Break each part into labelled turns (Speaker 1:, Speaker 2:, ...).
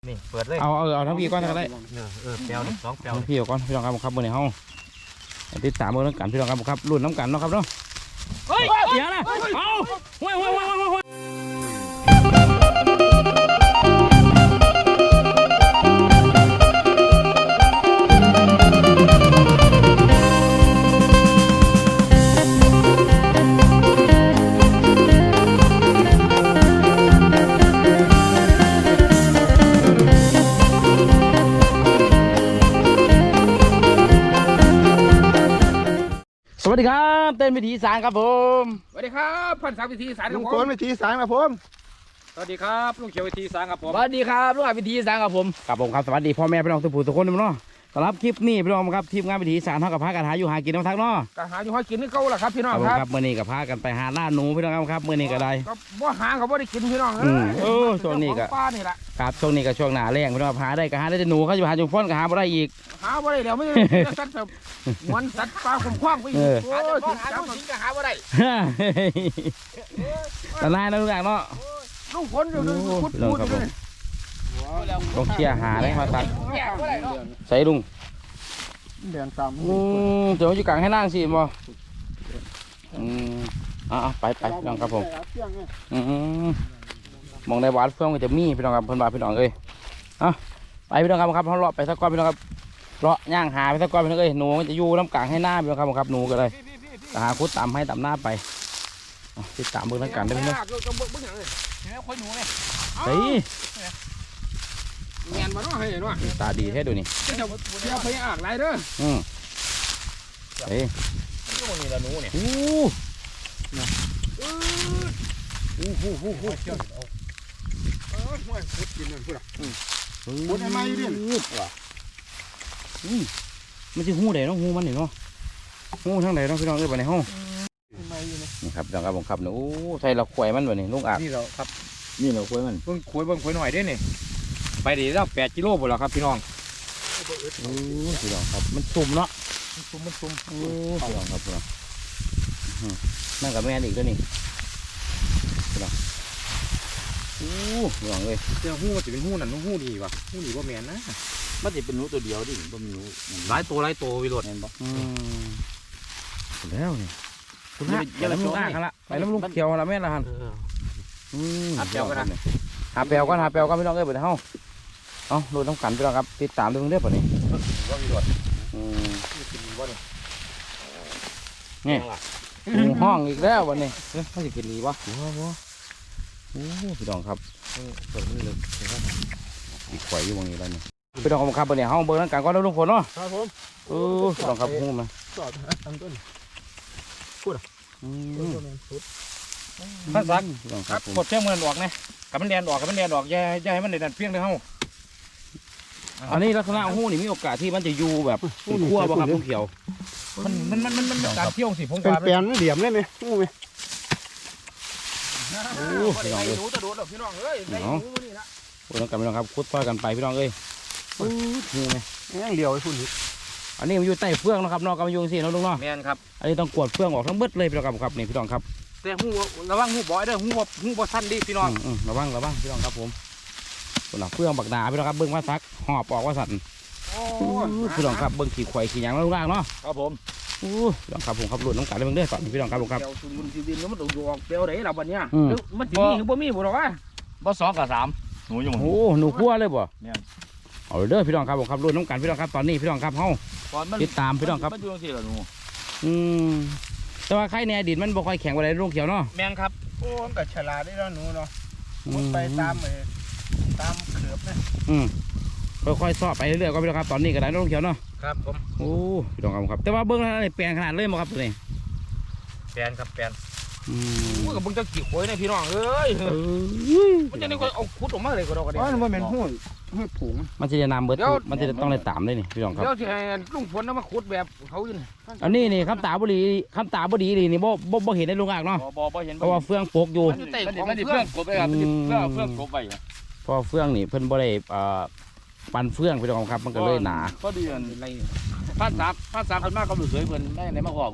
Speaker 1: นี่เปิดเลย
Speaker 2: เอาทั้งพี่ก้อนก็ได้
Speaker 1: แปลวนี่2แปลว
Speaker 2: พี่ก้อนพี่น้องครับมื้อนี้เฮาติดตามเบิ่งน้ำกันพี่น้องครับรุ่นน้ำกันเนาะครับเนาะเฮ้ยเดี๋ยวนะเอาห้วยสวัสดีครับเต้นวิถีสารครับผม
Speaker 3: สวัสดีครับพันศักดิ์วิธีสารค
Speaker 4: ลุ
Speaker 3: รับ
Speaker 4: ง
Speaker 3: ผ
Speaker 4: โกน
Speaker 3: ม
Speaker 4: วิธีสารครับผม
Speaker 3: สวัสดีครับลุงเขียววิธีสารครับผม
Speaker 2: สวัสดีครับลุงอาวิถีสารครับผมครับสวัสดีพ่อแม่พี่น้องทุกผู้ทุกคนเนาะสำหรับคลิปนี้พี่น้องครับทีมงานวิถีสารเท่ากับพากันหาอยู่หากินน้ำทักเนาะ
Speaker 3: ก็หาอยู่ให้กินนี่เก่าแหละครับพี่น้องครับ
Speaker 2: เมื่อนี้กับพากันไปหาล่าหนูพี่น้องครับเมื่อนี้ก็ได้
Speaker 3: ก็บ่หาเขาบ่ได้กินพี่น้อง
Speaker 2: ช่วงนี้ก็
Speaker 3: ป้านี่แหละ
Speaker 2: ครับช่วงนี้ก็ช่วงหน้าแรงพี่น้องหาได้ก็หาได้แต่หนูเขาอยู่หาจุ่มฟ้อนก็หาไม่ได้อีก
Speaker 3: หาบ่ได้แล้วไม่สัตว์หวนสัตว์ปลาคุ้มคว้างไปอีกโอ้ยหาลูกชิ้นก็หาบ่ได้
Speaker 2: แต่นายนะทุกอย่างเนาะ
Speaker 3: ลุงฝนอยู่พูดเลย
Speaker 2: ต้องเชี่ยหาได้มาตัดใส่ลุง
Speaker 4: เดือนตาม
Speaker 2: เดี๋ยวอยู่กลางให้นั่งสิบ่ไปพี่น้องครับผมมองในวัดเฟื่องก็จะมีพี่น้องครับเพิ่นว่าพี่น้องเอ้ยไปพี่น้องครับเขาเลาะไปสักก้อนพี่น้องครับเลาะย่างหาไปสักก้อนพี่น้องเอ้ยหนูมันจะอยู่น้ำกลางให้หน้าพี่น้องครับหนูก็เลยหาคุดตำให้ตำหน้าไปติดตามเบิ่งทั้งกันได้ไหมเนี่ยเฮ้ย
Speaker 3: เงียนมาเนาะเฮ้ยเนาะ
Speaker 2: ตาดีแท้ดูนี่
Speaker 3: เดี๋ยวไปอ่างไรเด้อ
Speaker 2: เฮ้ย
Speaker 1: นี่ละหนูเนี่ย
Speaker 4: ห้วยพุดกินนั่นพูดอ่ะพุดให้มาอยู่ดิ
Speaker 2: มันจะหูไหนเนาะหูมันเนาะหูทางไหนเนาะพี่น้องเอ้ยไปในห้องนี่ครับพี่น้องครับผมครับเนี่ยใส่เราขวยมันแบบนี้ลูกอาบ
Speaker 1: นี่เราครับ
Speaker 2: นี่เราขวยมัน
Speaker 1: เบิ่งคุยหน่อยได้นี่ไปดีแล้ว8กิโลหมดแล้วครับพี่น้อง
Speaker 2: พี่น้องครับมันซุ่มเนาะ
Speaker 1: ซุ่ม
Speaker 2: พี่น้องครับพี่น้องนั่งกับแม่อีกตัวนี้พี่น้องพี่น้องเลย
Speaker 1: เจ้าหู้มันจะเป็นหู้นั่นหู้ดีว่ะหู้ดีว่าแมนนะ
Speaker 2: มันจะเป็นหนูตัวเดียวดิบ่มีหนู
Speaker 1: หลายตัววิโรจน์
Speaker 2: แม่นบ่แล้วนี่คุณฮะอย่าล้มลูกอ่างกันละไปล้มลูกเขียวละแม่ละหันหาแปลวกันพี่น้องเอ้ยไปเฮ้าดูน้ำกันพี่น้องครับติดตามเรื่องเรื่องป่ะนี่
Speaker 1: ว่าวิโรจน์
Speaker 2: นี่ห้องอีกแล้ววันนี้เขาจะกินดีวะพี่น้องครับเปิดมือเลยอีกไข่อยู่ตรงนี้แล้วนี่พี่น้องครับวันนี้ห้องเบอร์นั่งกันก็ได้ลุงฝนเนาะ
Speaker 4: ครับผม
Speaker 2: พี่น้องครับหูมา
Speaker 4: สอดตั้งต้น
Speaker 1: ท่านสัก
Speaker 2: พี่น้อง
Speaker 1: ค
Speaker 2: ค
Speaker 1: รั
Speaker 2: รั
Speaker 1: บบ หมดเพียงเงินออกนะกับมันแดนออกอย่าให้มันแดนเพียงเลยเฮา
Speaker 2: อันนี้ลักษณะหูนี่มีโอกาสที่มันจะอยู่แบบขั้วบ่ครับลุงเขียว
Speaker 1: มันการเที่ยวสิผม
Speaker 4: เป็นแปลนเหลี่ยมเลยไหมงูไหม
Speaker 2: พี่น้องเอ้ย
Speaker 3: หนูจะโดดพี่น้องเอ้ยได้หนูนี่ละ
Speaker 2: พี่น้องกันพี่น้องครับคุดต่อยกันไปพี่น้องเอ้ยหูไหม
Speaker 4: ยังเหลียวไอ้พุ่น
Speaker 2: อันนี้มันอยู่ใต้เฟืองนะครับนอกก็มาอยู่สิเนาะลุงเนาะ
Speaker 1: แมนครับ
Speaker 2: อันนี้ต้องกวดเฟืองออกทั้งเบิดเลยพี่น้องครับนี่พี่น้องครับ
Speaker 1: แต่หูระวังหูบ่อยเด้อหูบ่สั้นดิพี่น้อง
Speaker 2: ระวังพี่น้องครับผมส่วนหลังเฟืองบักหนาพี่น้องครับเบิ้งว่าซักหอบออกว่าสั่นพี่น้องครับเบิ้งขี่ควายขี่หยังแล้วล่างเนาะ
Speaker 1: ครับผม
Speaker 2: พี่น้องครับผมขับรถน้ำกันเลยเบิ้งเด้อตอนนี้พี่น้องครับผมครับ
Speaker 3: เดี๋ยวสุนทรีดินมันต้องออกเปลวไหนล่ะบัดเนี้ยมันจะมีหรือบ่มีบ่หรอวะ
Speaker 1: บ่2กับ3หนูอยู่
Speaker 2: โอ้หนูคั่วเลยบ่
Speaker 1: เนี่ย
Speaker 2: เอาเด้อพี่น้องครับผมขับรถน้ำกันพี่น้องครับตอนนี้พี่น้องครับเฮาติดตามพี่น้องครับ
Speaker 1: มันอยู่จังซี่ล่ะหนู
Speaker 2: แต่ว่าไข่ในอดีตมันบ่ค่อยแข็งกว่าในลูกเขียวเนาะ
Speaker 1: แม่นครับ
Speaker 4: โอ้มันก็ฉลาดได้แล้วหนูเนาะมันไปตามเขือบนะ
Speaker 2: ค่อยๆซ้อไปเรื่อยๆก็พี่น้องครับตอนนี้ก็ได้ลูกเขียวเนาะ
Speaker 1: ครับผม
Speaker 2: โอ้พี่น้องครับแต่ว่าเบิ้งแล้วนี่แปลงขนาดเลยมั้งครับตัวนี้
Speaker 1: แปนครับแปน
Speaker 3: มันกับมึงจะกี่ขวยนะพี่น้องเอ้ยมันจะนี่ก็เอาขุดออกมาเลยก็ดอกกัน
Speaker 4: อ๋อมันเป็นหูผง
Speaker 2: มันจะนำเบิดมันจะต้องได้ตามเลยนี่พี่น้องครับ
Speaker 3: เดี๋ยวที่ให้ลุงฝนมาขุดแบบเขาอยู่นี่
Speaker 2: อันนี้นี่คำตาบดีนี่บ่เห็นในลุงอ่างเนาะ
Speaker 1: บ่เห็น
Speaker 2: เพราะว่าเฟืองโปกอยู่
Speaker 3: มันอยู่ใต้ของ
Speaker 1: มันดิ
Speaker 3: เพื่
Speaker 1: เพื่
Speaker 3: อ
Speaker 1: อน นกบไปครับมันดิเพื่อนกบไป
Speaker 2: เพราะเฟืองนี่เพิ่นบ่ได้ปั่นเฟืองพี่น้องครับมันก็เลยหนา
Speaker 1: ก็ดีอันไรภาษาคนมากก็รู้สวยเพิ่นได้ในมาขอกู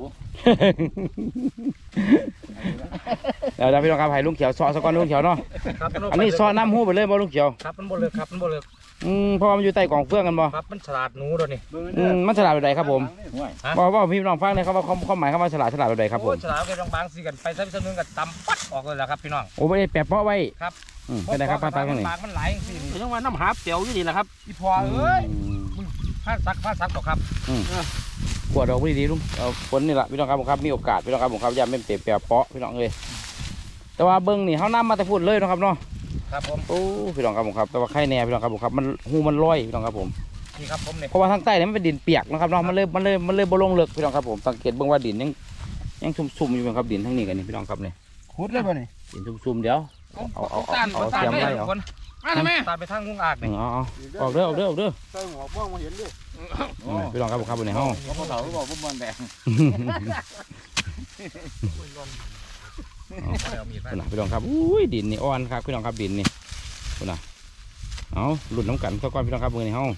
Speaker 2: เดี๋ยวพี่น้องครับให้ลุงเขียวซอสก่อนลุงเขียวเนาะอันนี้ซอน้ำหูไปเลยบ่ลุงเขียว
Speaker 1: ครับมันบ่เลิกครับมันบ่เลิก
Speaker 2: เพราะว่ามันอยู่ใต้กองเฟืองกันบ่
Speaker 3: ครับมันฉลาดหนูตัวนี้
Speaker 2: มันฉลาดแบบใดครับผม
Speaker 3: ฮะ
Speaker 2: บอกพี่น้องฟังเลยครับว่าความหมายคำว่าฉลาดแบบใดครับผม
Speaker 3: โอ้ยฉลาดแค่บางๆสิกันไปสักนึงก็ตำปัดออกเลยแหละครับพี่น้อง
Speaker 2: โอ้ไม่ได้แปะเปาะไว้
Speaker 3: ครับ
Speaker 2: เป็นไรครับป้าตาตรงนี้
Speaker 3: ปากมันไหลสิ
Speaker 1: ยังว่าน้ำหาเตียวอยู่นี่แหละครับ
Speaker 3: อีพอเอ้ยผ้าซักต่อครับ
Speaker 2: ขวดดอกดีๆลุงเอาฝนนี่แหละพี่น้องครับผมครับมีโอกาสพี่น้องครับผมครับอย่าเป็นเปะเปาะพี่น้องเลยแต่ว่าเบิ้งนี่เขานำมาแต่พูดเลยนะครับเนาะ
Speaker 3: ครับผม
Speaker 2: โอ้พี่น้องครับผมครับแต่ว่าไข่แน่พี่น้องครับผมครับมันหูมันลอยพี่น้องครับผม
Speaker 3: นี่ครับผมเนี่ย
Speaker 2: เพราะว่าทางใต้เนี่ยมันเป็นดินเปียกนะครับเนาะมันเลยบ่ลงเลิกพี่น้องครับผมสังเกตเบิ่งว่าดินยังซุ่มๆอยู่ครับดินทั้งนี้กันนี่พี่น้องครับนี่
Speaker 4: ขุดเลยป่ะนี่
Speaker 2: ดินซุ่มๆเดี๋ยวเอาเสียมไว้เอา
Speaker 3: มาทำไมตาไปทางงุ้งอากเนี่ย
Speaker 2: เอาออกเด้อออกเด้อ
Speaker 4: ใส่หัวบ้องมาเห็นดิ
Speaker 2: พี่น้องครับผมครับในห้อง
Speaker 1: เขาเถาบอกพวกมันแดง
Speaker 2: พี่น้องครับอุ้ยดินนี่อ่อนครับพี่น้องครับดินนี่คุณน่ะเอาหลุดน้ำกันสักก้อนพี่น้องครับมือในห้อง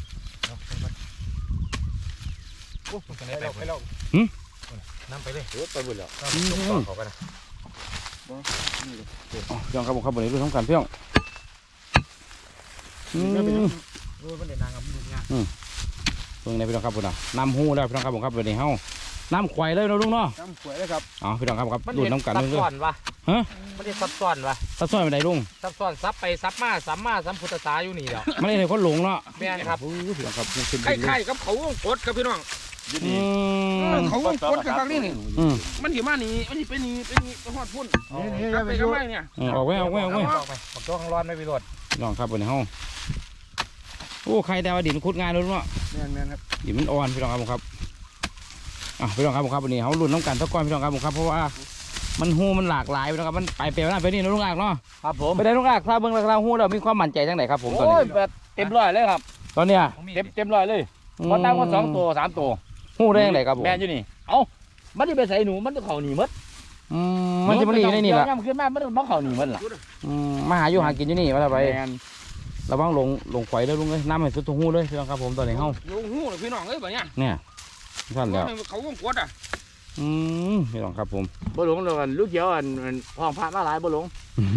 Speaker 3: ไปแล้วน้ำไปเลยไปบุญแล้วเขากันนะ
Speaker 2: พี่น้องครับผมครับมือในหลุดน้ำกันพี่น้อง
Speaker 3: มันเดินนางกับลูกงาน
Speaker 2: เบิ่งในพี่น้องครับคุณน่ะน้ำหูแล้วพี่น้องครับผมครับมือในห้องน้ำควายเลยนะลุงเนาะ
Speaker 4: น้ำขวดเลยครับ
Speaker 2: อ๋อพี่น้องครับครับหลุดน้ำกัน
Speaker 3: ซับ
Speaker 2: เรื่อ
Speaker 3: ซ้อย นวะมันได้ซับซ้อนวะ
Speaker 2: ๆตัดซ้อนไปไหนลุง
Speaker 3: ซับซ้อนซับไปซับมาซับพุทธศาอยู่นี่แล้ว
Speaker 2: ไม่ได้เลยคนหลงเนาะ
Speaker 3: แม่นครับ
Speaker 2: พี่น้องครับ
Speaker 3: ไข่กับเขากดครับพี่น้อง
Speaker 1: เขาคนกันครั้งนี้นี่
Speaker 2: มัน
Speaker 1: หิมานี่มันไปนี่ไปหอดพุ่น
Speaker 4: นี่
Speaker 1: กลับ
Speaker 4: ไป
Speaker 1: ไป
Speaker 4: ดู
Speaker 1: ก็ไม่เนี่ย
Speaker 2: ออกไว้
Speaker 3: ปักตัวข้างร้อนไม่ไปรด
Speaker 2: พี่น้องครับบนห้องโอ้ใครแต่ว่าดินคุดงานลุงเนาะ
Speaker 4: แม่นครับ
Speaker 2: ดินมันอ่อนพี่น้องครับผมครับพี่น้องครับผมครับวันนี้เขาลุ้นน้ำกันสักก้อนพี่น้องครับผมครับเพราะว่ามันหูมันหลากหลายพี่น้องครับมันไปเปลี่ยนไปนี่นะลุงอากเนาะ
Speaker 1: ครับผม
Speaker 2: ไปได้ลุงอากถ้าเบิ้งราคาหูเรามีความมั่นใจจังไหนครับผมตอน
Speaker 1: โอ้ย
Speaker 2: นี้
Speaker 1: แบบเต็มร้อยเลยครับ
Speaker 2: ตอนเนี้ย
Speaker 1: เต็มร้อยเลยพอตั้งว่า2 ตัว 3 ตัว
Speaker 2: หูได้ยังไงครับผม
Speaker 1: แม่อยู่นี่เอ้ามันจะไปใส่หนูมันจะเข่าหนีมด
Speaker 2: มันจะมาลีได้นี่แหละ
Speaker 1: ย่ำขึ้นมามันต้องเข่าหนีมดล่ะ
Speaker 2: มาหาอยู่หากินอยู่นี่มาทำไป
Speaker 1: แม่น
Speaker 2: ระวังลงไฟเลยลุงเลยน้ำให้สุดทุ่งหูเลยพี่น้องครับผมตอนนี้เฮา
Speaker 1: ลุงหู้พี่น้องเอ้ยแบบเนี้ย
Speaker 2: เนี่ยท่านแล้ว
Speaker 1: เขาวงกดอ่ะ
Speaker 2: พี่น้องครับผม
Speaker 1: บ่หลงเลยลูกเขียวอันคลองพระมาหลายบ่หลง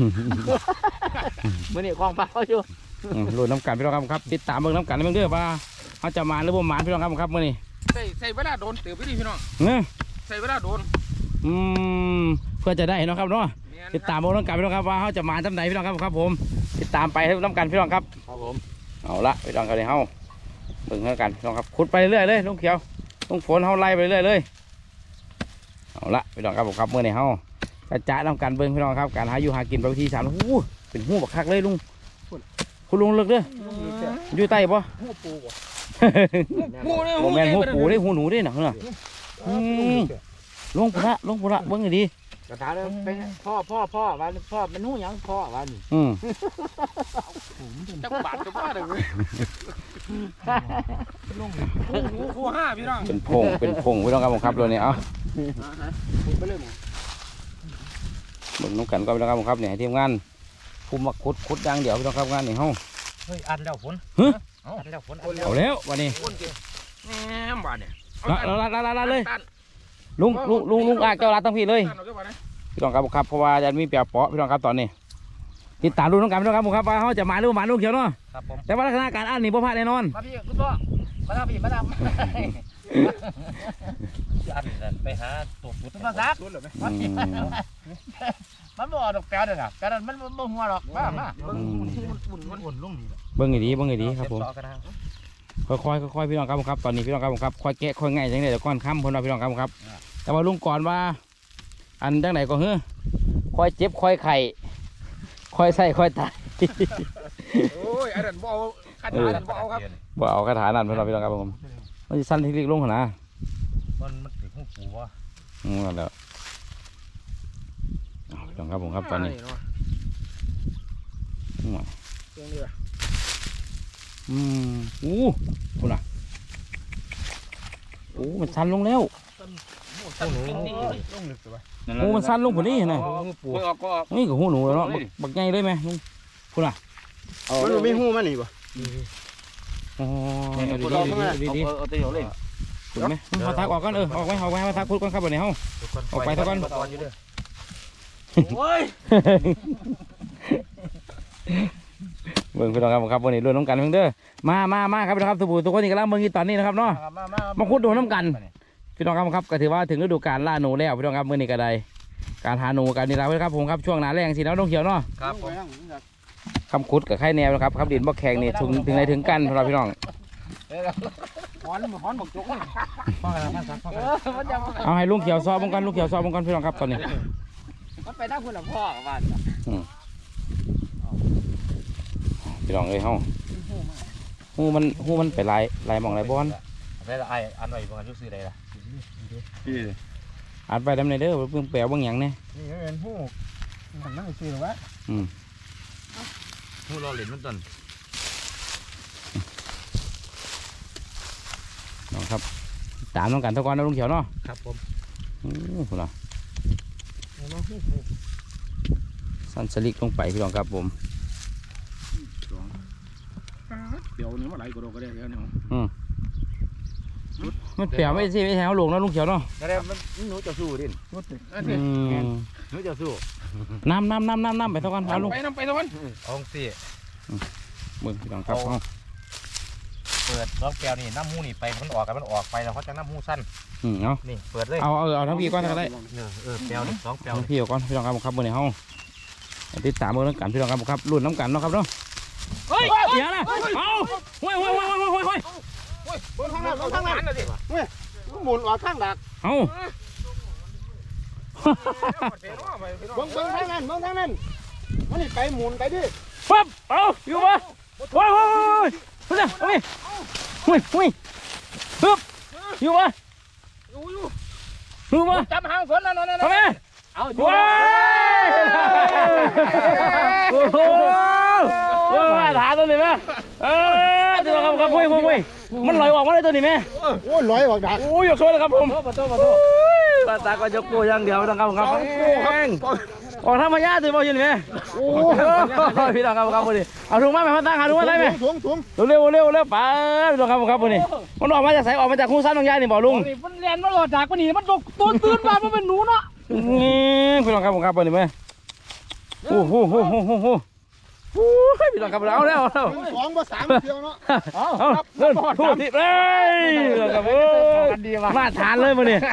Speaker 1: มื้อนี้คลองพระเขาอยู่
Speaker 2: ลุ้นน้ำกันพี่น้องครับติดตามเบิ้งน้ำกันเบิ้งเด้อว่าเขาจะมาหรือบ่มาพี่น้องครับมื้อนี้
Speaker 1: ใส่เวลาโดนเติบพี่พี่น้อง
Speaker 2: เนี่ย
Speaker 1: ใส่เวลาโดน
Speaker 2: เพื่อจะได้เนาะครับเนาะติดตามเบิ้งน้ำกันพี่น้องครับว่าเขาจะมาจำไหนพี่น้องครับผมติดตามไปให้น้ำกันพี่น้องครับ
Speaker 1: ครับผม
Speaker 2: เอาละพี่น้องกันเลยเฮาเบิ่งกันพี่น้องครับขุดไปเรื่อยเลยลุงเขียวลุงฝนเฮาไล่ไปเรื่อยเลยเอาละพี่น้องครับผมครับมื้อนี้เฮากระจายน้ำกันเบิ่งพี่น้องครับการหาอยู่หากินไปวิธี3เป็นหู้บักคักเลยลุงคุณลุงเลิกเด้ออยู่ใต้บ่
Speaker 1: หูปูบ่
Speaker 2: โมแมนหูปูได้หูหนูได้หนังเนอะลงพุระเบิ้งให้ดี
Speaker 1: กระถาเลยเป็นพ่อวันพ่อมันหูยังพ่อวัน จักบาทก็ว่าเลยหู5พี่น้อง
Speaker 2: เป็นพงพี่น้องครับผมครับตัวนี้เอาเบิ่งน้ำกันก็พี่น้องครับผมครับเนี่ยทีมงานภูมิขุดอย่างเดียวพี่น้องครับงานนี่เฮา
Speaker 3: เฮ้ยอันแล้วฝนอันแล้วฝน
Speaker 2: เอาแล้ววันนี้
Speaker 1: แหมบาทเนี่ย
Speaker 2: ละเลยลุงอาเจ้ารัดตั้งพี่เลยพี่น้องครับผมครับเพราะว่าจะมีเปียกเปาะพี่น้องครับตอนนี้ติดตามดูน้องกันพี่น้องครับผมครับว่าเขาจะมาหรือมาลุงเขียวเนาะ
Speaker 3: ครับผม
Speaker 2: แต่ว่าลักษณะการอ่านนี่บ่พลาดแน่นอน
Speaker 1: มาพี่คุณพ่อมาทำพี่มาทำ
Speaker 3: อันไปหาตัวฟุต
Speaker 1: มาซักมันบ่ดอกแป๊ดเลยนะแป๊ดมันบ่หัวหรอกมาอุ่นลงนี่
Speaker 2: เบิ้งให้ดีครับผมค่อยพี่น้องครับผมครับตอนนี้พี่น้องครับผมครับค่อยแกะค่อยง่ายจังเลยเดี๋ยวก่อนค่ำพนพี่น้องครับผมครับแต่ว่าลุงก่อนว่าอันจังไหนก็เฮ้อค่อยเจ็บค่อยไข่ค่อยใส่ค่อยตาย
Speaker 1: โอ้ยอันนั้นบ่เอาคาถาอันบ่เอาครับ
Speaker 2: บ่เอาคาถานั่นพี่น้องครับผมมันจะสั้นที่เล็กลงขนาด
Speaker 3: มันติดหูปูวะ
Speaker 2: นั่นแหละพี่น้องครับผมครับตอนนี้ คุณอ่ะมันสั้นลงแล้วมันสั้นลงกว่านี้นะ
Speaker 1: ปูออกก็ออก
Speaker 2: นี่กับหูหนูแล้วเนาะบักใหญ่เลยไหมลุงคุณอ่ะ
Speaker 4: มันมีหูมันนี่ป่ะ
Speaker 2: อ๋อดี
Speaker 1: เอาตัวเล่น
Speaker 2: คุณไหมมาทักออกก่อนออกไว้มาทักพูดก่อนครับวันนี้เฮาออกไปทักก่อน
Speaker 1: โอ้ย
Speaker 2: เบิ่งพี่น้องครับวันนี้รวมน้ำกันเพิ่งเด้อมาครับพี่น้องครับทุกคนนี่กำลังเบิ่งอยู่ตอนนี้นะครับเนาะมาคุดดูน้ำกันพี่น้องครับก็ถือว่าถึงฤดูกาลล่าหนูแล้วพี่น้องครับมื้อนี้ก็ได้การหาหนูกันนี่แล้วครับผมครับช่วงหน้าแรงสิแล้วต้องเขียวเนาะ
Speaker 3: ครับผม
Speaker 2: คำคุดกับไข่แนวนะครับครับดินบ่แข็งนี่ถึงไหนถึงกันเราพี่น้อง
Speaker 3: ฮ้อนบักจกฟังกันมาสักฟังกัน
Speaker 2: เอาให้ลุงเขียวซอบบงกันลุงเขียวซอบบงกันพี่น้องครับตอนนี้
Speaker 1: มันไปนั่งคุณหลวงพ่อกับบ้าน
Speaker 2: พี่น้องเอ้ยเฮาหูมันไปลายมองลายบอล
Speaker 3: ได้ละไออันไหนประมาณยุ่งซื้อได้ละ
Speaker 2: อัดไปดำในเด้อเพิ่งแปลวบางอย่างเนี่ย
Speaker 4: นี่ก็เป็นผู้มันนั่งซื้อหรอวะ
Speaker 3: หูรอเหรียญมันต้น
Speaker 2: น้องครับตามน้องกันทุกคนนะลุงเขียวเนาะ
Speaker 3: ครับผม
Speaker 2: คุณล่ะสั้นสลิกลงไปพี่น้องครับผม
Speaker 4: เดี๋ยวนี้มาไหลกระโดดก็ได้แล้วเนี่ย
Speaker 2: มันแปลวไม่ใช่ไม่ใช่เขาลงนะลุงเขียวเนาะ
Speaker 3: แต่มันหนูจะสู้ดิหนูจะสู้
Speaker 2: น้ำไปทุกคนเอาลุง
Speaker 3: ไปน้ำไปทุกคนเอาสิ
Speaker 2: มึงพี่น้องครับ
Speaker 3: เปิดล็อกแก้วนี่น้ำหูนี่ไปมันออกกันมันออกไปแล้วเขาจะน้ำหูสั้น
Speaker 2: เอา
Speaker 3: นี่เปิดเลย
Speaker 2: เอาทั้งพี่ก้อนก็ได้
Speaker 3: แก้วนี่2แก้ว
Speaker 2: ทั้งพี่ก้อนพี่น้องครับเมื่อนี้เฮาติดตามเมื่อน้ำกันพี่น้องครับรุ่นน้ำกันเนาะครับเนาะเฮ้ยเดี๋ยวนะเอาห้ย
Speaker 4: บนข้างนั้นบนข้างนั้นหมุนออกข้างดัก
Speaker 2: เอา
Speaker 4: บนข้างนั้นมันนี่ไปหมุนไปดิ
Speaker 2: ปั๊บเอาอยู่ปะว้าวเฮ้ยปึ๊บอยู่ปะอยู่ปะ
Speaker 1: จำหางฝนแล้วนอน
Speaker 2: ทำไม
Speaker 1: เอาอยู่
Speaker 2: ว้ายโอ้โหมาถามตัวนี้ไหมตัวครับคุยมันลอยออกมาเลยตัวนี้ไหม
Speaker 4: โอ้ยลอยออกดัก
Speaker 2: โอ้ยยกโซ่เลยครับผมปาตาก็ยกโก้อย่างเดียวนะครับครับออกธรรมญาติบ่ยินไหมโอ้พี่น้องครับวันนี้เอาถุงมาไหมพันตั้งหาถุงมาได้ไหม
Speaker 4: ถุง
Speaker 2: เร็วไปพี่น้องครับวันนี้มันออกมาจากไสออกมาจากคู่ซ้ำน้องยายนี่บ่ลุง
Speaker 1: มันเรียนมันหลอดจากมันนี่มันตื่นมามันเป็นหนูเนาะ
Speaker 2: พี่น้องครับวันนี้ไหมโอ้โหพี่น้องครับเอาแล้ว
Speaker 4: 2 3เที่ยวเนาะ
Speaker 2: เอาเดินพูดที่เฮ้ยมาทานเลยวันนี้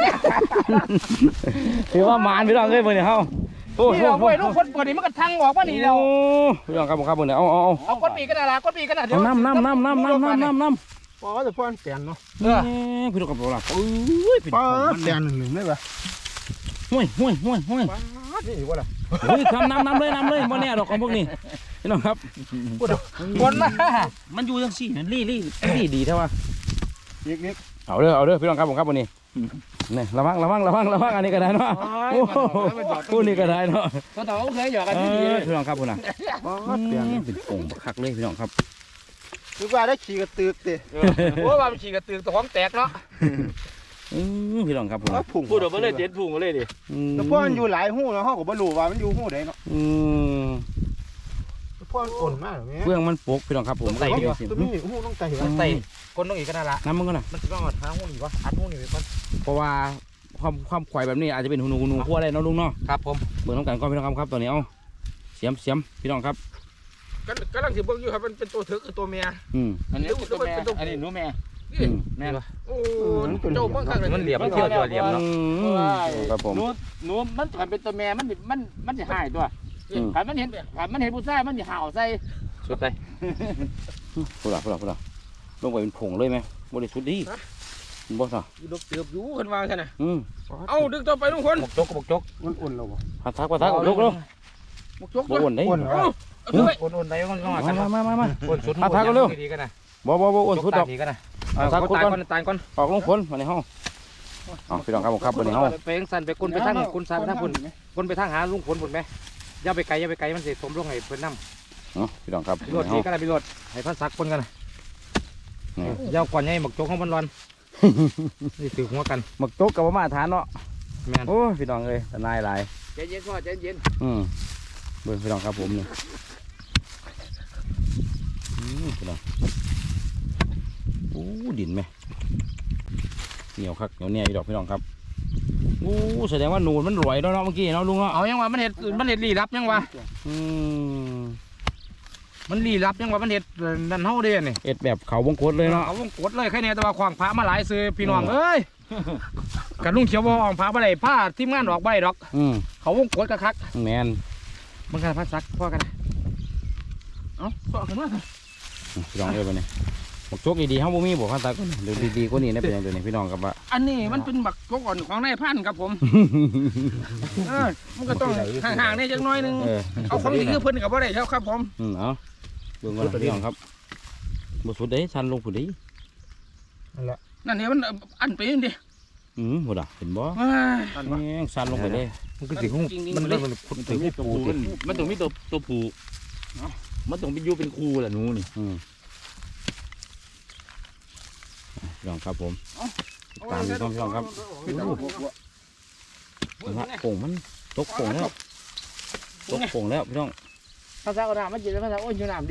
Speaker 2: ถือว่ามานพี่น้องเลยวันนี้เฮาโอ้โห
Speaker 1: นี่เราไปลูกคนเปิดนี่มันก็ทังออกมานี่แล้ว
Speaker 2: พี่น้องครับวันนี้เอา
Speaker 1: ก้นปีกันนะก้นปีกันนะเดี๋ยว
Speaker 2: น้ำ
Speaker 4: พอจะพ่อนเปลี่ยนเนาะ
Speaker 2: พี่น้องครับผมล่ะ
Speaker 4: ป้าเปลี่ยนหนึ่งได้ปะ
Speaker 2: ห่วย
Speaker 4: นี่ว่าอะไร
Speaker 2: เฮ้ยทำน้ำเลยบ่แน่ดอกของพวกนี้พี่น้องครับ
Speaker 1: คนมา
Speaker 2: มันอยู่จังซี่ลี่ดีแท้ว่า
Speaker 4: อีก
Speaker 2: เอาเด้อพี่น้องครับผมครับวันนี้นี่ระวังอันนี้ก็ได้เนาะโอ้คู่นี้ก็ได้เนาะ
Speaker 1: ตัวต่อเคยหยอกกันที่ดี
Speaker 2: พี่น้องครับคุณน่ะ
Speaker 4: ป้าเปลี่ยน
Speaker 2: เป็นโป่งบักคักเลยพี่น้องครับ
Speaker 4: คือว่าได้ขี่กระตือกดิ
Speaker 1: โอ้ยมันขี่กระตือตัวของแตกเนาะ
Speaker 2: พี่น้องครับผม
Speaker 4: พุ่ง
Speaker 1: พูดออกมาเลยเด็ดพุ่งมาเลยดิ
Speaker 4: แต่พ่อมันอยู่หลายหู้เนาะเขาก็บ่รู้ว่ามันอยู่หู้ใดเนาะพ่อมันอ่อนมากเลย
Speaker 2: เบื้องมันปกพี่น้องครับผมใส่ไปสิ
Speaker 4: ตัวนี้หู้ต้องใจ
Speaker 3: มันใส่คนต้องอีกก็น่าละ
Speaker 2: น้ำมันก็น่ะ
Speaker 3: มันจะต้องหาหูนี่วะอัดหูนี่ไปก่อน
Speaker 2: เพราะว่าความควายแบบนี้อาจจะเป็นหูหนูขั้วได้เนาะลุงเนาะ
Speaker 3: ครับผม
Speaker 2: เบื้องน้ำกันก็พี่น้องครับตอนนี้เอาเสียมพี่น้องครับ
Speaker 3: กำลังสิเบิ่งอยู่ครับมันเป็นตัวเถือกคือตัวเมีย
Speaker 1: อันนี้ตัวแม่อันนี้หนูแม่แม่
Speaker 3: โอ้เจ้าเบิ่งข้างมันเหลี่ยมมันเที่ยวตัวเหลี่ยมเนาะ
Speaker 2: ครับผม
Speaker 1: หนูมันขันเป็นตัวแม่มันจะหายตัวขันมันเห็นผู้ชายมันจะห่าวใส่
Speaker 3: สุดเลย
Speaker 2: พูดละลงไปเป็นผงเลยไหมบริสุทธิ์ดีบ่ซะ
Speaker 3: ดกเติบอยู่ขึ้นมาใช่ไหม
Speaker 4: เอ้าดึงต่อไปทุกคน
Speaker 3: บกจก
Speaker 4: อุ่นๆแล้วบ่
Speaker 2: พัดทักลุก
Speaker 3: บกจก
Speaker 2: บ่อ้วนได้
Speaker 4: อุ่นเหรอ
Speaker 3: อุ่นได้ก็ต้องกัน
Speaker 2: มา
Speaker 3: อุ่นสุดดีกันนะ
Speaker 2: บ่อ้วนสุดดอก
Speaker 3: ดีกันนะ
Speaker 2: ทักคุดก่อน
Speaker 3: ตายก่อน
Speaker 2: ออกลงฝนมาในห้องพี่น้องครับวันนี้ห้อง
Speaker 3: ไปสั่นไปกุนไปทางกุนสั่นไปทางกุนกุนไปทางหาลุงผลผลไหมอย่าไปไกลมันเสียสมลงให้เพิ่นน้ำ
Speaker 2: พี่น้องครับ
Speaker 3: รถดีก็ได้ไปรถให้พันซักคนกันยาวก่อนไงหมกโจ๊กของมันร้อนนี่ถือหัวกัน
Speaker 2: หมึกโต๊ะกับมาทานเนาะ
Speaker 3: แม่น
Speaker 2: โอ้พี่น้องเลยนายหลาย
Speaker 1: ใจเย็นพ่อใจเย็น
Speaker 2: เบิ่งพี่น้องครับผมนี่พี่น้องโอ้ดินไหมเหนียวคักเหนียวเนี่ยดอกพี่น้องครับโอ้แสดงว่าหนูมันรวยเนาะเมื่อกี้เนาะลุงเนาะ
Speaker 1: เอายังวะมันเห็ดลี้ลับยังวะ
Speaker 3: มันลี้ลับยังว่ามันเห็ดนั่นเฮาเด้นี่
Speaker 2: เอ็ดแบบเขาวงกตเลยเนาะ
Speaker 3: เอาวงกดเลยแค่นี้แต่ว่าขวางพระมาหลายซื้อพี่น้องเอ้ยกันลุงเขียวบ่ออกพระบ่ได้ผ้าทีมงานออกบ่ได้ดอก เขาวงกดคัก
Speaker 2: แมน
Speaker 3: ๆมันกันพัดซักพ่อกันเอ้าต่อขึ้นมา
Speaker 2: พี่น้องเอ้ยบัดนี้บักโจกดีๆเฮาบ่มีบ่คันตาก็เดี๋ยวดีๆกว่านี้ได้เป็นหยังตัวนี้พี่น้องครับว่า
Speaker 3: อันนี้มันเป็นบักกอ่อนของนายพันครับผมมันก็ต้องห่างๆนี่จักหน่อยนึง เอาของดีคือเพิ่นกับบ่ได้ครับผม
Speaker 2: เอาเบิ่งก่อนพี่น้องครับบ่สุดเด้ชันลงพุ่นเด้
Speaker 3: นั่นนี่มันอันไปนี่ดิ
Speaker 2: บ่ดะเห็นบ่
Speaker 3: ว้าย
Speaker 2: แม่งชันลงไปเลย
Speaker 3: มันก็สิคงมันถึงปู
Speaker 1: มันต้องมีตัวผูมันต้องเป็นอยู่เป็นครูแหละหนูนี่
Speaker 2: พี่น้องครับผมตามพี่น้องครับโป่งมันตกโป่งแล้วตกโป่งแล้วพี่น้อง
Speaker 1: ภาษาอังกฤษมันจีนภาษาโอ้ยอยู่น้ำดิ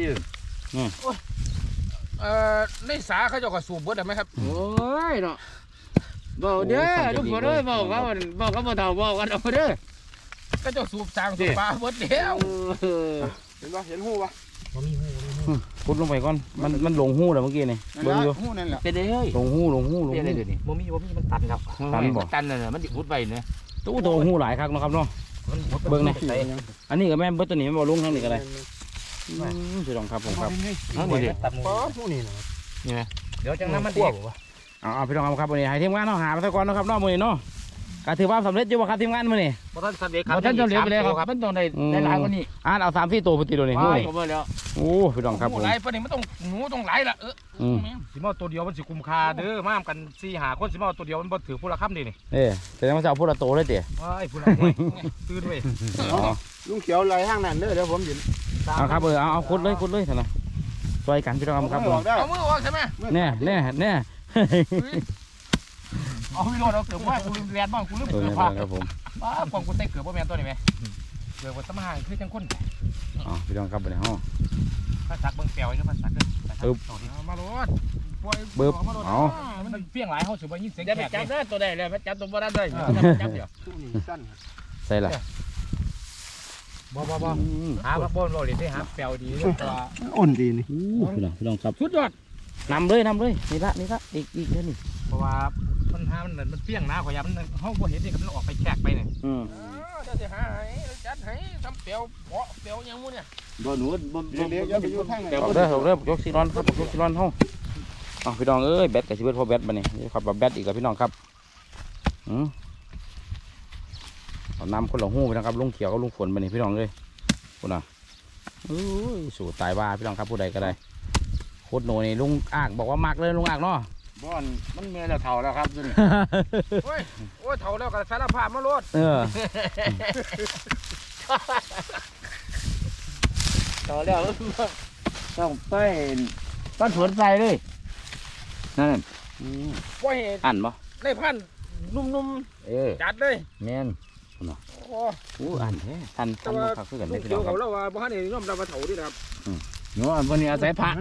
Speaker 3: ในสาเขาเจ้าก็สูบเบิดได้ไหมครับ
Speaker 1: โอ้ยเนาะบอกเด้อทุกคนเด้อบอกเขาบ่เท่าบอกกันเอาเด้อ
Speaker 3: ก็เจ้าสูบสร้างสูบปลาเบิดแล้ว
Speaker 4: เห็นปะเห็นหูปะ
Speaker 2: พุดลงไปก่อนมันลงหูแล้วเมื่อกี้นี่เบิ่งอยู่
Speaker 4: หูนั่นแหละ
Speaker 1: เป็นเด้อ
Speaker 2: ลงหู
Speaker 1: เป็นอะไรเดี๋ยวนี้
Speaker 3: บ่มีมันตันครับ
Speaker 2: ตันบ่
Speaker 1: ตันน่ะมันติดพุดไปเนี่ย
Speaker 2: ตู้โตหูหลายครั้งเนาะครับเนาะเบิ่งนี่อันนี้ก็แม่นเบิดตัวนี้มันบ่ลงทั้งนี้ก็ได้พี่น้องครับผมครับ
Speaker 1: ทั้งนี้ดิ
Speaker 3: ตัดหมู
Speaker 4: หูนี่นะ
Speaker 1: นี่ไหม
Speaker 3: เดี๋ยวจังน้ำมันเด็ก
Speaker 2: เอาพี่น้องครับวันนี้ให้ทีมงานเนาะหาไปซะก่อนเนาะครับเนาะมื้อนี้เนาะก็ถือว่าสำเร็จอยู่บ่ครับทีมงานมื้อนี้
Speaker 3: บ่ทันสำเร็จครับ
Speaker 1: ท่านจะเหลือไปเลยครับมันต้องได้หลายกว่านี้
Speaker 2: อ่านเอา3-4ตัวพุ่นติโดนี่
Speaker 1: ไป
Speaker 2: โอ้ย
Speaker 1: ก็บ่แล้ว
Speaker 2: โอ้พี่น้องครับผม
Speaker 3: หลายปานนี้มันต้องหนูต้องหลายละ
Speaker 2: อืม
Speaker 3: สิมาตัวเดียวมันสิคุ้มค่าเด้อมากัน4-5คนสิมาตัวเดียวมันบ่ถือผู้ละคำดินี่
Speaker 2: แสดงว่าจะเอาพูดละโตเลยเตี๋ย
Speaker 3: ว้ายผู้ละตื่นเว้ย
Speaker 4: ลุงเขียวไหลห้างนั่นเด้อเดี๋ยวผมยืน
Speaker 2: เอาครับเอาคุดเลยเถอะนะช่วยกันพี่น้องครับผม
Speaker 3: เอามือออกใช่ไหม
Speaker 2: แน่
Speaker 3: เอาพี่โรดเอาเกือบว่ากูลืมเรียนบ้างกูลืม
Speaker 2: เออ
Speaker 3: เกือบ
Speaker 2: นี่
Speaker 3: ผ้า
Speaker 2: ครับผม
Speaker 3: ป้ากองกูใส่เกือบบ่แม่นตัวนี้ไหมเกือบว่าสมาหางคือจังคน
Speaker 2: อ๋อพี่น้องครับวันนี้ห้อง
Speaker 3: ภาษาเบิ่งแปลวอยู่ภาษาเด้อมาโลด
Speaker 2: บึ๊บเอา
Speaker 3: มันเปี้ยงหลายเฮาสิบ่ยินเสียง
Speaker 1: อย่าไป
Speaker 3: แขก
Speaker 1: จับนะตัวใดเลยมันจับตัวบ่ได้เลยจับเดี๋ยว
Speaker 4: หูนี่สั้น
Speaker 2: ใส่ละ
Speaker 3: บ่หาบ่บ่โลดเลยหาแปลวดีตัว
Speaker 4: อ่อนดีนี่
Speaker 2: พี่น้องครับ
Speaker 3: สุดยอด
Speaker 2: นำเลยนี่ละอีกเท่านี้
Speaker 3: เพราะว่ามันหามันเปี้ยงนะขอยามันเฮาบ่เห็นนี่ก็มันออกไปแขกไปเนี่ย เดี๋ยวสิหาให้จัดให้ทำเปียวเปาะเปียวยังมู้เนี่ย
Speaker 1: บ่หนูบ่
Speaker 4: เดี๋ยวไปอยู่ทางไหน
Speaker 2: เอาเด้อยกซีรอนครับยกซีรอนห้องเอาพี่น้องเอ้ยแบตกับชีวิตพอแบตมาเนี่ยขับแบบแบตอีกกับพี่น้องครับเอาน้ำคนละหู้ไปนะครับลุงเขียวกับลุงฝนมาเนี่ยพี่น้องเลยคุณน่ะสู่ตายว่าพี่น้องครับผู้ใดก็ได้โคตรโหนนี่ลุงอ่างบอกว่ามากเลยลุงอ่างเนาะ
Speaker 1: บ่อนมันเมียแล้วเฒ่าแล้วครับนี่
Speaker 3: โอ้ยเถ่าแล้วก็สารภาพมาโลด
Speaker 2: เออ
Speaker 1: ต่อแล้วต้องไปต้นสวนใจเลยนั่น
Speaker 3: ว่าเหตุ
Speaker 2: อันบ่
Speaker 3: ในพันนุ่ม จัดเลย
Speaker 1: แม่น
Speaker 3: โอ้
Speaker 2: อู้อันแท้อัน
Speaker 3: แต่
Speaker 2: มา
Speaker 3: ว่า
Speaker 2: ขับขึ้นกัน
Speaker 3: ลู
Speaker 2: ได้
Speaker 3: ก
Speaker 2: พี่
Speaker 3: เดี
Speaker 2: น้
Speaker 3: ย
Speaker 2: อ
Speaker 3: ว
Speaker 2: งครั
Speaker 3: เขา
Speaker 2: บ
Speaker 3: แล้วว่าบ้านนี้น้อมรับมาเถ่าดิครับ
Speaker 1: หนูวันนี้อาศัยพระ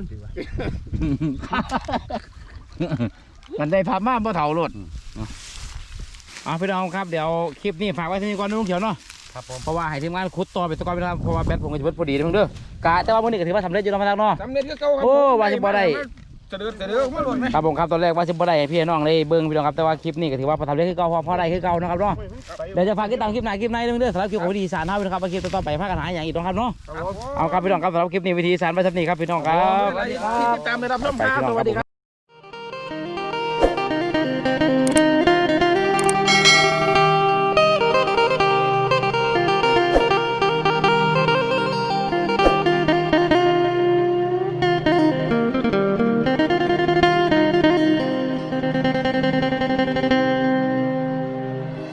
Speaker 1: มันได้พระมาบ่เฒ่ารถ
Speaker 2: เอาพี่น้องครับเดี๋ยวคลิปนี้ฝากไว้ที่นี่ก่อนนะลุงเขียวเนาะ
Speaker 3: ครับผม
Speaker 2: เพราะว่าให้ทีมงานขุดต่อไปตะกอนไปนะครับเพราะว่าแบตผมก็จะเบิดพอดีเด้อเด้อกะแต่ว่ามื้อนี้ก็ถือว่าสำเร็จอยู่เนาะพี่น้องเนาะ
Speaker 3: สำเร็จก็เก่าครับ
Speaker 2: โอ้ว่าสิบ่ได้
Speaker 3: เดือดมาหล่นไหม
Speaker 2: ครับผมครับตอนแรกว่าสิบ่ได้ให้พี่น้องได้เบิ่งพี่น้องครับแต่ว่าคลิปนี้ก็ถือว่าประทับใจคือเก่าพอได้คือเก่านะครับเนาะเดี๋ยวจะฝากติดตามคลิปหน้าคลิปในเด้อสำหรับคลิปของวิธีสารเฮานะครับว่าคลิปต่อไปพากันหาอย่างอีกนะครับเนาะเอาครับพี่น้องครับสำหรับคลิปนี้วิธีสารไปสักนี้ครับพี่น้องครับ
Speaker 3: ที่ติดตามได้รับชมครับสวัสดีครับ